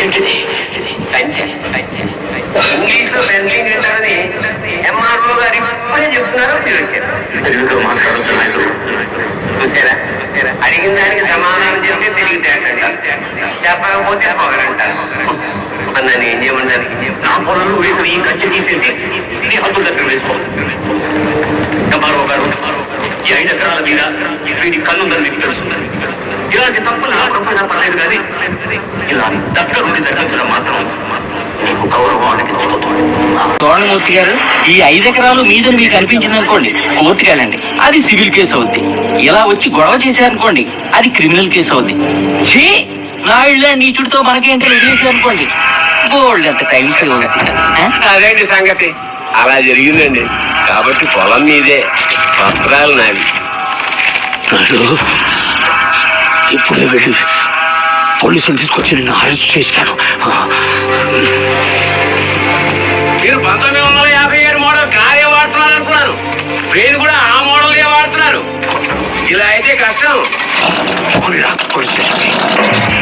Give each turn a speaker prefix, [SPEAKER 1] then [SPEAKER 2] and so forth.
[SPEAKER 1] ఇంగ్లీష్లో పెన్షన్ ఏంటని ఎంఆర్ఓ గారు ఇప్పుడే చెప్తున్నారు. తెలుగుతో మాట్లాడుతున్నాడు. చూసారా, అడిగిన దానికి సమాధానం చెప్తే తెలివితేటంట, చెప్పకపోతే పొగరంటారు. నన్ను ఏం చేయమంటారు? నా పొలంలో వేసిన ఈ ఖర్చు తీసేసి ఈ హద్దుల దగ్గర వేసుకోవాలి. ఎంఆర్ఓ గారు, ఈ 5 ఎకరాల మీద వీడి కన్నుందని మీకు తెలుస్తుంది. ఇలాంటి తప్పులు నా పర్లేదు కానీ ఇలా దగ్గరుండి దర్శించడం మాత్రం మీకు గౌరవం అనిపించుకోవాలి.
[SPEAKER 2] తోరణమూర్తి గారు, ఈ 5 ఎకరాలు మీదని మీకు అనిపించింది అనుకోండి, కోర్టుకి వెళ్ళండి, అది సివిల్ కేసు అవుద్ది. ఇలా వచ్చి గొడవ చేశారనుకోండి, అది క్రిమినల్ కేసు అవుద్ది. ఛీ, నా ఇళ్ళ నీచుడితో మనకేంటో వదిలేసారనుకోండి, బోల్డ్ ఎంత టైం సేవ్ అవుతుంది.
[SPEAKER 1] అదేంటి సంగతి? అలా జరిగిందండి. కాబట్టి పొలం మీదే, పత్రాలు నావి.
[SPEAKER 3] ఇప్పుడే వెళ్ళి పోలీసులు తీసుకొచ్చి నిన్ను అరెస్ట్ చేస్తాను.
[SPEAKER 1] మీరు 1957 మోడల్ కారే వాడుతున్నారు అనుకున్నారు, ట్రైన్ కూడా ఆ మోడల్గా వాడుతున్నారు. ఇలా అయితే కష్టం.
[SPEAKER 3] Police station